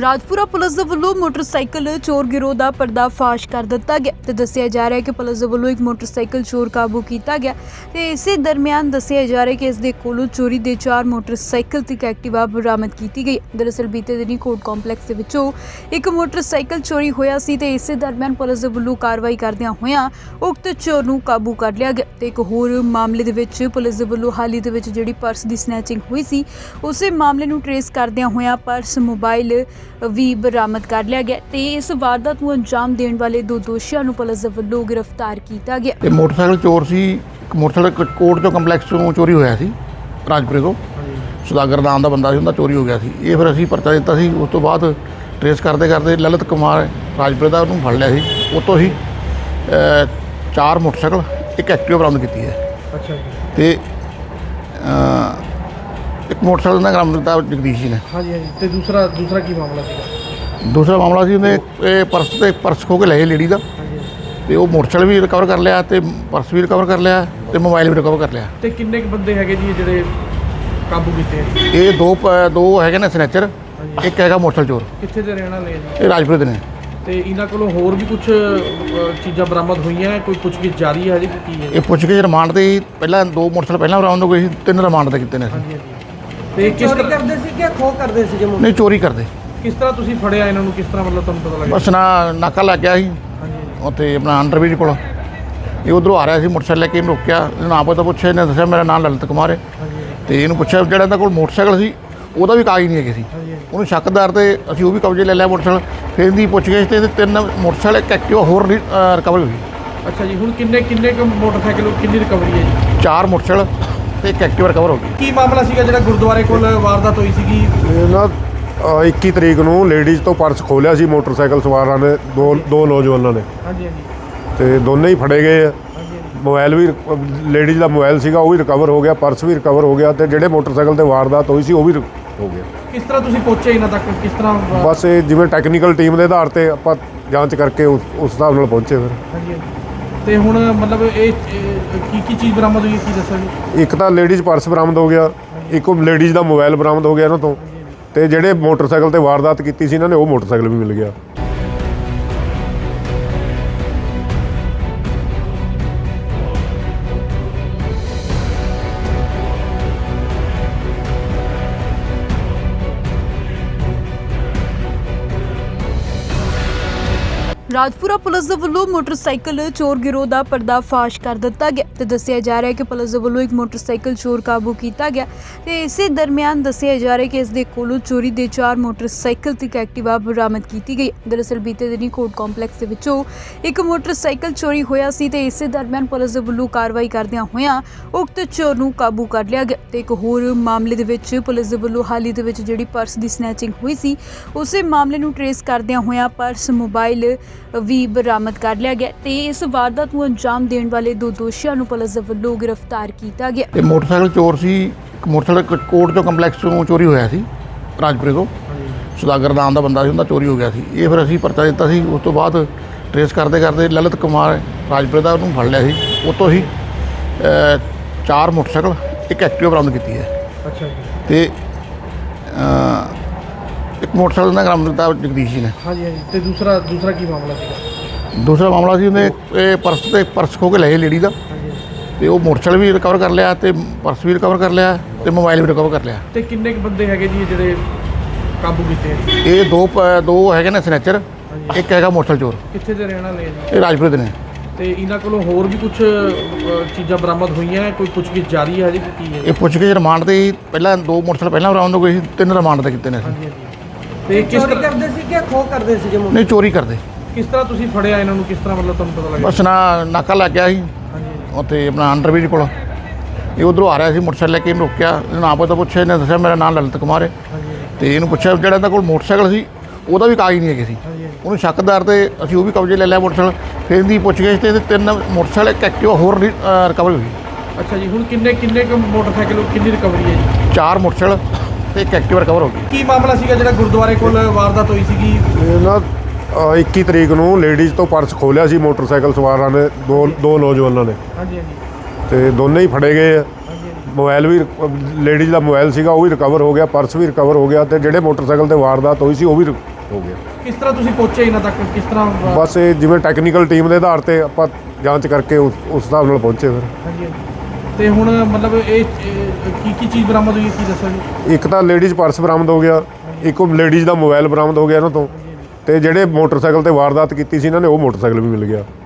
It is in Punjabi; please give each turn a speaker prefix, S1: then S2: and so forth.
S1: ਰਾਜਪੁਰਾ ਪੁਲਿਸ ਦੇ ਵੱਲੋਂ ਮੋਟਰਸਾਈਕਲ ਚੋਰ ਗਿਰੋਹ ਦਾ ਪਰਦਾਫਾਸ਼ ਕਰ ਦਿੱਤਾ ਗਿਆ ਤੇ ਦੱਸਿਆ ਜਾ ਰਿਹਾ ਹੈ ਕਿ ਪੁਲਿਸ ਦੇ ਵੱਲੋਂ ਇੱਕ ਮੋਟਰਸਾਈਕਲ ਚੋਰ ਕਾਬੂ ਕੀਤਾ ਗਿਆ ਤੇ ਇਸੇ ਦਰਮਿਆਨ ਦੱਸਿਆ ਜਾ ਰਿਹਾ ਹੈ ਕਿ ਇਸ ਦੇ ਕੋਲੋਂ ਚੋਰੀ ਦੇ 4 ਮੋਟਰਸਾਈਕਲ ਤੇ ਇੱਕ ਐਕਟਿਵਾ ਬਰਾਮਦ ਕੀਤੀ ਗਈ। ਦਰਅਸਲ ਬੀਤੇ ਦਿਨੀ ਕੋਰਟ ਕੰਪਲੈਕਸ ਦੇ ਵਿੱਚੋਂ ਇੱਕ ਮੋਟਰਸਾਈਕਲ ਚੋਰੀ ਹੋਇਆ ਸੀ ਤੇ ਇਸੇ ਦਰਮਿਆਨ ਪੁਲਿਸ ਦੇ ਵੱਲੋਂ ਕਾਰਵਾਈ ਕਰਦਿਆਂ ਹੋਇਆਂ ਉਕਤ ਚੋਰ ਨੂੰ ਕਾਬੂ ਕਰ ਲਿਆ ਗਿਆ ਤੇ ਇੱਕ ਹੋਰ ਮਾਮਲੇ ਦੇ ਵਿੱਚ ਪੁਲਿਸ ਦੇ ਵੱਲੋਂ ਹਾਲ ਹੀ ਦੇ ਵਿੱਚ ਜਿਹੜੀ ਪਰਸ ਦੀ ਸਨੈਚਿੰਗ ਹੋਈ ਸੀ ਉਸੇ ਮਾਮਲੇ ਨੂੰ ਟਰੇਸ ਕਰਦਿਆਂ ਹੋਇਆਂ ਪਰਸ ਮੋਬਾਈਲ ਵੀ ਬਰਾਮਦ ਕਰ ਲਿਆ ਗਿਆ ਤੇ ਇਸ ਵਾਰਦਾਤ ਨੂੰ ਅੰਜਾਮ ਦੇਣ ਵਾਲੇ 2 ਦੋਸ਼ੀਆਂ ਨੂੰ ਪੁਲਿਸ ਦੇ ਵੱਲੋਂ ਗ੍ਰਿਫਤਾਰ ਕੀਤਾ ਗਿਆ।
S2: ਇਹ ਮੋਟਰਸਾਈਕਲ ਚੋਰ ਸੀ। ਮੋਟਰਸਾਈਕਲ ਕੋਰਟ ਤੋਂ ਕੰਪਲੈਕਸ ਤੋਂ ਚੋਰੀ ਹੋਇਆ ਸੀ, ਰਾਜਪੁਰੇ ਤੋਂ ਸੁਦਾਗਰ ਨਾਮ ਦਾ ਬੰਦਾ ਸੀ, ਉਹਦਾ ਚੋਰੀ ਹੋ ਗਿਆ ਸੀ। ਇਹ ਫਿਰ ਅਸੀਂ ਪਰਚਾ ਦਿੱਤਾ ਸੀ। ਉਸ ਤੋਂ ਬਾਅਦ ਟਰੇਸ ਕਰਦੇ ਕਰਦੇ ਲਲਿਤ ਕੁਮਾਰ ਰਾਜਪੁਰੇ ਦਾ ਉਹਨੂੰ ਫੜ ਲਿਆ ਸੀ। ਉਹ ਤੋਂ ਹੀ 4 ਮੋਟਰਸਾਈਕਲ ਇੱਕ ਐਕਟਿਵਾ ਬਰਾਮਦ ਕੀਤੀ ਹੈ।
S3: ਅੱਛਾ ਜੀ।
S2: ਤੇ ਇੱਕ ਮੋਟਰਸਾਈਕਲ ਦਾ ਬਰਾਮਦ ਕੀਤਾ ਜਗਦੀਸ਼ ਜੀ ਨੇ।
S3: ਹਾਂਜੀ ਹਾਂਜੀ। ਤੇ ਦੂਸਰਾ ਕੀ ਮਾਮਲਾ ਸੀਗਾ?
S2: ਦੂਸਰਾ ਮਾਮਲਾ ਸੀ ਉਹਨੇ ਇਹ ਪਰਸ ਖੋ ਕੇ ਲਏ ਲੇਡੀ ਦਾ
S3: ਹਾਂਜੀ।
S2: ਤੇ ਉਹ ਮੋਟਰਸਾਈਕਲ ਵੀ ਰਿਕਵਰ ਕਰ ਲਿਆ ਤੇ ਪਰਸ ਵੀ ਰਿਕਵਰ ਕਰ ਲਿਆ ਤੇ ਮੋਬਾਈਲ ਵੀ ਰਿਕਵਰ ਕਰ ਲਿਆ।
S3: ਤੇ ਕਿੰਨੇ ਕੁ ਬੰਦੇ ਹੈਗੇ ਜੀ ਜਿਹੜੇ ਕਾਬੂ ਕੀਤੇ?
S2: ਇਹ ਦੋ ਹੈਗੇ ਨੇ ਸਨੈਚਰ, ਇੱਕ ਹੈਗਾ ਮੋਟਰਸਾਈਕਲ ਚੋਰ।
S3: ਕਿੱਥੇ ਦੇ ਰਹਿਣ ਵਾਲੇ ਜੀ?
S2: ਇਹ ਰਾਜਪੁਰੇ ਦੇ ਨੇ।
S3: ਤੇ ਇਹਨਾਂ ਕੋਲੋਂ ਹੋਰ ਵੀ ਕੁਝ ਚੀਜ਼ਾਂ ਬਰਾਮਦ ਹੋਈਆਂ? ਕੋਈ ਪੁੱਛਗਿੱਛ ਜਾਰੀ ਹੈ ਜੀ? ਕੀ ਹੈ
S2: ਇਹ ਪੁੱਛ ਕੇ ਰਿਮਾਂਡ ਤੇ ਹੀ ਪਹਿਲਾਂ 2 ਮੋਟਰਸਾਈਕਲ ਪਹਿਲਾਂ ਬਰਾਮਦ ਹੋ ਗਏ ਸੀ, 3 ਰਿਮਾਂਡ ਤੇ ਕੀਤੇ ਨੇ ਅਸੀਂ।
S3: ਹਾਂਜੀ ਹਾਂਜੀ। ਤੇ ਕਿਸ ਤਰ੍ਹਾਂ ਕਰਦੇ ਸੀ ਕਿ ਖੋਹ ਕਰਦੇ ਸੀ?
S2: ਨਹੀਂ, ਚੋਰੀ ਕਰਦੇ।
S3: ਕਿਸ ਤਰ੍ਹਾਂ ਤੁਸੀਂ ਫੜਿਆ ਇਹਨਾਂ ਨੂੰ? ਕਿਸ ਤਰ੍ਹਾਂ ਮਤਲਬ ਤੁਹਾਨੂੰ ਪਤਾ ਲੱਗਿਆ?
S2: ਬਸ ਨਾਕਾ ਲੱਗ ਗਿਆ ਸੀ
S3: ਹਾਂਜੀ
S2: ਉੱਥੇ ਆਪਣਾ ਅੰਡਰਬ੍ਰਿਜ ਕੋਲ। ਇਹ ਉਧਰੋਂ ਆ ਰਿਹਾ ਸੀ ਮੋਟਰਸਾਈਕਲ ਲੈ ਕੇ, ਇਹਨੂੰ ਰੋਕਿਆ, ਇਹਨੂੰ ਆਪ ਤਾਂ ਪੁੱਛਿਆ, ਇਹਨੇ ਦੱਸਿਆ ਮੇਰਾ ਨਾਮ ਲਲਿਤ ਕੁਮਾਰ ਹੈ।
S3: ਹਾਂਜੀ
S2: ਤੇ ਇਹਨੂੰ ਪੁੱਛਿਆ ਜਿਹੜਾ ਇਹਦਾ ਕੋਲ ਮੋਟਰਸਾਈਕਲ ਸੀ ਉਹਦਾ ਵੀ ਕਾਗਜ਼ ਨਹੀਂ ਹੈਗੇ ਸੀ।
S3: ਹਾਂਜੀ।
S2: ਉਹਨੂੰ ਸ਼ੱਕਦਾਰ ਤੇ ਅਸੀਂ ਉਹ ਵੀ ਕਬਜ਼ੇ ਲੈ ਲਿਆ ਮੋਟਰਸਾਈਕਲ। ਫਿਰ ਇਹਦੀ ਪੁੱਛ ਗਏ ਤੇ 3 ਮੋਟਰਸਾਈਕਲ ਇੱਕ ਐਕਟਿਵਾ ਹੋਰ ਰਿਕਵਰ ਹੋਈ।
S3: ਅੱਛਾ ਜੀ। ਹੁਣ ਕਿੰਨੇ ਕੁ ਮੋਟਰਸਾਈਕਲ ਕਿੰਨੀ ਰਿਕਵਰੀ ਹੈ ਜੀ?
S2: 4 ਮੋਟਰਸਾਈਕਲ ਤੇ ਇੱਕ ਐਕਟਿਵਾ ਰਿਕਵਰ ਹੋ ਗਈ।
S3: ਕੀ ਮਾਮਲਾ ਸੀਗਾ ਜਿਹੜਾ ਗੁਰਦੁਆਰੇ ਕੋਲ ਵਾਰਦਾਤ ਹੋਈ ਸੀਗੀ?
S4: ਇਹ ਨਾ 21 ਤਰੀਕ ਨੂੰ ਲੇਡੀਜ਼ ਤੋਂ ਪਰਸ ਖੋਲਿਆ ਸੀ ਮੋਟਰਸਾਈਕਲ ਸਵਾਰਾਂ ਨੇ, ਦੋ ਨੌਜਵਾਨਾਂ ਨੇ।
S3: ਹਾਂਜੀ ਹਾਂਜੀ।
S4: ਤੇ ਦੋਨੇ ਹੀ ਫੜੇ ਗਏ ਆ।
S3: ਹਾਂਜੀ
S4: ਮੋਬਾਈਲ ਵੀ ਲੇਡੀਜ਼ ਦਾ ਮੋਬਾਈਲ ਸੀਗਾ ਉਹ ਵੀ ਰਿਕਵਰ ਹੋ ਗਿਆ, ਪਰਸ ਵੀ ਰਿਕਵਰ ਹੋ ਗਿਆ ਤੇ ਜਿਹੜੇ ਮੋਟਰਸਾਈਕਲ ਤੇ ਵਾਰਦਾਤ ਹੋਈ ਸੀ ਉਹ ਵੀ ਹੋ ਗਿਆ।
S3: ਕਿਸ ਤਰ੍ਹਾਂ ਤੁਸੀਂ ਪਹੁੰਚੇ ਇਹਨਾਂ ਤੱਕ? ਕਿਸ ਤਰ੍ਹਾਂ?
S4: ਬਸ ਇਹ ਜਿਵੇਂ ਟੈਕਨੀਕਲ ਟੀਮ ਦੇ ਆਧਾਰ ਤੇ ਆਪਾਂ ਜਾਂਚ ਕਰਕੇ ਉਸ ਹਿਸਾਬ ਨਾਲ ਪਹੁੰਚੇ ਫਿਰ।
S3: ਹਾਂਜੀ ਹਾਂਜੀ। ਤੇ ਹੁਣ ਮਤਲਬ ਇਹ ਕੀ ਚੀਜ਼ ਬਰਾਮਦ ਹੋਈ? ਕੀ ਦੱਸੋ ਜੀ?
S4: ਇੱਕ ਤਾਂ ਲੇਡੀਜ਼ ਪਰਸ ਬਰਾਮਦ ਹੋ ਗਿਆ, ਇੱਕ ਲੇਡੀਜ਼ ਦਾ ਮੋਬਾਈਲ ਬਰਾਮਦ ਹੋ ਗਿਆ ਇਹਨਾਂ ਤੋਂ, ਤੇ ਜਿਹੜੇ ਮੋਟਰਸਾਈਕਲ ਤੇ ਵਾਰਦਾਤ ਕੀਤੀ ਸੀ ਇਹਨਾਂ ਨੇ ਉਹ ਮੋਟਰਸਾਈਕਲ ਵੀ ਮਿਲ ਗਿਆ।
S1: ਰਾਜਪੁਰਾ ਪੁਲਿਸ ਦੇ ਵੱਲੋਂ ਮੋਟਰਸਾਈਕਲ ਚੋਰ ਗਿਰੋਹ ਦਾ ਪਰਦਾਫਾਸ਼ ਕਰ ਦਿੱਤਾ ਗਿਆ ਤੇ ਦੱਸਿਆ ਜਾ ਰਿਹਾ ਹੈ ਕਿ ਪੁਲਿਸ ਦੇ ਵੱਲੋਂ ਇੱਕ ਮੋਟਰਸਾਈਕਲ ਚੋਰ ਕਾਬੂ ਕੀਤਾ ਗਿਆ ਤੇ ਇਸੇ ਦਰਮਿਆਨ ਦੱਸਿਆ ਜਾ ਰਿਹਾ ਹੈ ਕਿ ਇਸ ਦੇ ਕੋਲੋਂ ਚੋਰੀ ਦੇ 4 ਮੋਟਰਸਾਈਕਲ ਤੇ ਇੱਕ ਐਕਟਿਵਾ ਬਰਾਮਦ ਕੀਤੀ ਗਈ। ਦਰਅਸਲ ਬੀਤੇ ਦਿਨੀ ਕੋਰਟ ਕੰਪਲੈਕਸ ਦੇ ਵਿੱਚੋਂ ਇੱਕ ਮੋਟਰਸਾਈਕਲ ਚੋਰੀ ਹੋਇਆ ਸੀ ਤੇ ਇਸੇ ਦਰਮਿਆਨ ਪੁਲਿਸ ਦੇ ਵੱਲੋਂ ਕਾਰਵਾਈ ਕਰਦਿਆਂ ਹੋਇਆਂ ਉਕਤ ਚੋਰ ਨੂੰ ਕਾਬੂ ਕਰ ਲਿਆ ਗਿਆ ਤੇ ਇੱਕ ਹੋਰ ਮਾਮਲੇ ਦੇ ਵਿੱਚ ਪੁਲਿਸ ਦੇ ਵੱਲੋਂ ਹਾਲ ਹੀ ਦੇ ਵਿੱਚ ਜਿਹੜੀ ਪਰਸ ਦੀ ਸਨੈਚਿੰਗ ਹੋਈ ਸੀ ਉਸੇ ਮਾਮਲੇ ਨੂੰ ਟਰੇਸ ਕਰਦਿਆਂ ਹੋਇਆਂ ਪਰਸ ਮੋਬਾਈਲ ਵੀ ਬਰਾਮਦ ਕਰ ਲਿਆ ਗਿਆ ਤੇ ਇਸ ਵਾਰਦਾਤ ਨੂੰ ਅੰਜਾਮ ਦੇਣ ਵਾਲੇ 2 ਦੋਸ਼ੀਆਂ ਨੂੰ ਪੁਲਿਸ ਦੇ ਵੱਲੋਂ ਗ੍ਰਿਫਤਾਰ ਕੀਤਾ ਗਿਆ।
S2: ਇਹ ਮੋਟਰਸਾਈਕਲ ਚੋਰ ਸੀ। ਮੋਟਰਸਾਈਕਲ ਕੋਰਟ ਤੋਂ ਕੰਪਲੈਕਸ ਤੋਂ ਚੋਰੀ ਹੋਇਆ ਸੀ, ਰਾਜਪੁਰੇ ਤੋਂ ਸੁਦਾਗਰ ਨਾਮ ਦਾ ਬੰਦਾ ਸੀ, ਉਹਦਾ ਚੋਰੀ ਹੋ ਗਿਆ ਸੀ। ਇਹ ਫਿਰ ਅਸੀਂ ਪਰਚਾ ਦਿੱਤਾ ਸੀ। ਉਸ ਤੋਂ ਬਾਅਦ ਟਰੇਸ ਕਰਦੇ ਕਰਦੇ ਲਲਿਤ ਕੁਮਾਰ ਰਾਜਪੁਰੇ ਦਾ ਉਹਨੂੰ ਫੜ ਲਿਆ ਸੀ। ਉਹ ਤੋਂ ਹੀ 4 ਮੋਟਰਸਾਈਕਲ ਇੱਕ ਐਕਟਿਵਾ ਬਰਾਮਦ ਕੀਤੀ ਹੈ।
S3: ਅੱਛਾ ਜੀ।
S2: ਤੇ ਇੱਕ ਮੋਟਰਸਾਈਕਲ ਦਾ ਬਰਾਮਦ ਕੀਤਾ ਜਗਦੀਸ਼ ਜੀ ਨੇ।
S3: ਹਾਂਜੀ ਹਾਂਜੀ। ਤੇ ਦੂਸਰਾ ਕੀ ਮਾਮਲਾ ਸੀਗਾ?
S2: ਦੂਸਰਾ ਮਾਮਲਾ ਸੀ ਉਹਨੇ ਇਹ ਪਰਸ ਖੋ ਕੇ ਲਏ ਲੇਡੀ ਦਾ
S3: ਹਾਂਜੀ।
S2: ਤੇ ਉਹ ਮੋਟਰਸਾਈਕਲ ਵੀ ਰਿਕਵਰ ਕਰ ਲਿਆ ਤੇ ਪਰਸ ਵੀ ਰਿਕਵਰ ਕਰ ਲਿਆ ਤੇ ਮੋਬਾਈਲ ਵੀ ਰਿਕਵਰ ਕਰ ਲਿਆ।
S3: ਤੇ ਕਿੰਨੇ ਕੁ ਬੰਦੇ ਹੈਗੇ ਜੀ ਜਿਹੜੇ ਕਾਬੂ ਕੀਤੇ?
S2: ਇਹ ਦੋ ਹੈਗੇ ਨੇ ਸਨੈਚਰ, ਇੱਕ ਹੈਗਾ ਮੋਟਰਸਾਈਕਲ ਚੋਰ।
S3: ਕਿੱਥੇ ਦੇ ਰਹਿਣ ਵਾਲੇ ਜੀ?
S2: ਇਹ ਰਾਜਪੁਰੇ ਦੇ ਨੇ।
S3: ਤੇ ਇਹਨਾਂ ਕੋਲੋਂ ਹੋਰ ਵੀ ਕੁਝ ਚੀਜ਼ਾਂ ਬਰਾਮਦ ਹੋਈਆਂ? ਕੋਈ ਪੁੱਛਗਿੱਛ ਜਾਰੀ ਹੈ ਜੀ? ਕੀ ਹੈ?
S2: ਇਹ ਪੁੱਛ ਕੇ ਰਿਮਾਂਡ ਤੇ ਹੀ ਪਹਿਲਾਂ 2 ਮੋਟਰਸਾਈਕਲ ਪਹਿਲਾਂ ਬਰਾਮਦ ਹੋ ਗਏ ਸੀ, 3 ਰਿਮਾਂਡ ਤੇ ਕੀਤੇ ਨੇ ਅਸੀਂ।
S3: ਹਾਂਜੀ ਹਾਂਜੀ। ਤੇ ਕਿਸ ਤਰ੍ਹਾਂ ਕਰਦੇ ਸੀ ਕਿ ਖੋਹ ਕਰਦੇ ਸੀ?
S2: ਨਹੀਂ, ਚੋਰੀ ਕਰਦੇ।
S3: ਕਿਸ ਤਰ੍ਹਾਂ ਤੁਸੀਂ ਫੜਿਆ ਇਹਨਾਂ ਨੂੰ? ਕਿਸ ਤਰ੍ਹਾਂ ਮਤਲਬ ਤੁਹਾਨੂੰ ਪਤਾ ਲੱਗਿਆ?
S2: ਬਸ ਨਾਕਾ ਲੱਗ ਗਿਆ ਸੀ
S3: ਹਾਂਜੀ
S2: ਉੱਥੇ ਆਪਣਾ ਅੰਡਰਬ੍ਰਿਜ ਕੋਲ। ਇਹ ਉਧਰੋਂ ਆ ਰਿਹਾ ਸੀ ਮੋਟਰਸਾਈਕਲ ਲੈ ਕੇ, ਇਹਨੂੰ ਰੋਕਿਆ, ਇਹਨੂੰ ਆਪ ਤਾਂ ਪੁੱਛਿਆ, ਇਹਨੇ ਦੱਸਿਆ ਮੇਰਾ ਨਾਮ ਲਲਿਤ ਕੁਮਾਰ ਹੈ।
S3: ਹਾਂਜੀ
S2: ਤੇ ਇਹਨੂੰ ਪੁੱਛਿਆ ਜਿਹੜਾ ਇਹਦਾ ਕੋਲ ਮੋਟਰਸਾਈਕਲ ਸੀ ਉਹਦਾ ਵੀ ਕਾਗਜ਼ ਨਹੀਂ ਹੈਗੇ ਸੀ।
S3: ਹਾਂਜੀ।
S2: ਉਹਨੂੰ ਸ਼ੱਕਦਾਰ ਤੇ ਅਸੀਂ ਉਹ ਵੀ ਕਬਜ਼ੇ ਲੈ ਲਿਆ ਮੋਟਰਸਾਈਕਲ। ਫਿਰ ਇਹਦੀ ਪੁੱਛ ਗਏ ਤੇ 3 ਮੋਟਰਸਾਈਕਲ ਇੱਕ ਐਕਟਿਵਾ ਹੋਰ ਰਿਕਵਰ ਹੋਈ।
S3: ਅੱਛਾ ਜੀ। ਹੁਣ ਕਿੰਨੇ ਕੁ ਮੋਟਰਸਾਈਕਲ ਕਿੰਨੀ ਰਿਕਵਰੀ ਹੈ ਜੀ?
S2: 4 ਮੋਟਰਸਾਈਕਲ ਤੇ ਇੱਕ ਐਕਟਿਵਾ ਰਿਕਵਰ ਹੋ ਗਈ।
S3: ਕੀ ਮਾਮਲਾ ਸੀਗਾ ਜਿਹੜਾ ਗੁਰਦੁਆਰੇ ਕੋਲ ਵਾਰਦਾਤ ਹੋਈ ਸੀਗੀ?
S4: ਇਹ ਨਾ 21 ਤਰੀਕ ਨੂੰ ਲੇਡੀਜ਼ ਤੋਂ ਪਰਸ ਖੋਲਿਆ ਸੀ ਮੋਟਰਸਾਈਕਲ ਸਵਾਰਾਂ ਨੇ, ਦੋ ਨੌਜਵਾਨਾਂ ਨੇ।
S3: ਹਾਂਜੀ ਹਾਂਜੀ।
S4: ਤੇ ਦੋਨੇ ਹੀ ਫੜੇ ਗਏ ਆ।
S3: ਹਾਂਜੀ।
S4: ਮੋਬਾਈਲ ਵੀ ਲੇਡੀਜ਼ ਦਾ ਮੋਬਾਈਲ ਸੀਗਾ ਉਹ ਵੀ ਰਿਕਵਰ ਹੋ ਗਿਆ, ਪਰਸ ਵੀ ਰਿਕਵਰ ਹੋ ਗਿਆ ਤੇ ਜਿਹੜੇ ਮੋਟਰਸਾਈਕਲ ਤੇ ਵਾਰਦਾਤ ਹੋਈ ਸੀ ਉਹ ਵੀ ਹੋ ਗਿਆ।
S3: ਕਿਸ ਤਰ੍ਹਾਂ ਤੁਸੀਂ ਪਹੁੰਚੇ ਇਹਨਾਂ ਤੱਕ, ਕਿਸ ਤਰ੍ਹਾਂ
S4: ਬਸ ਇਹ ਜਿਵੇਂ ਟੈਕਨੀਕਲ ਟੀਮ ਦੇ ਆਧਾਰ ਤੇ ਆਪਾਂ ਜਾਂਚ ਕਰਕੇ ਉਸ ਹਿਸਾਬ ਨਾਲ ਪਹੁੰਚੇ ਫਿਰ।
S3: ਹਾਂਜੀ ਤੇ ਹੁਣ ਮਤਲਬ ਇਹ ਕੀ ਚੀਜ਼ ਬਰਾਮਦ ਹੋਈ ਹੈ, ਕੀ ਦੱਸੋ ਜੀ?
S4: ਇੱਕ ਤਾਂ ਲੇਡੀਜ਼ ਪਰਸ ਬਰਾਮਦ ਹੋ ਗਿਆ, ਇੱਕ ਲੇਡੀਜ਼ ਦਾ ਮੋਬਾਈਲ ਬਰਾਮਦ ਹੋ ਗਿਆ ਇਹਨਾਂ ਤੋਂ, ਤੇ ਜਿਹੜੇ ਮੋਟਰਸਾਈਕਲ ਤੇ ਵਾਰਦਾਤ ਕੀਤੀ ਸੀ ਇਹਨਾਂ ਨੇ ਉਹ ਮੋਟਰਸਾਈਕਲ ਵੀ ਮਿਲ ਗਿਆ।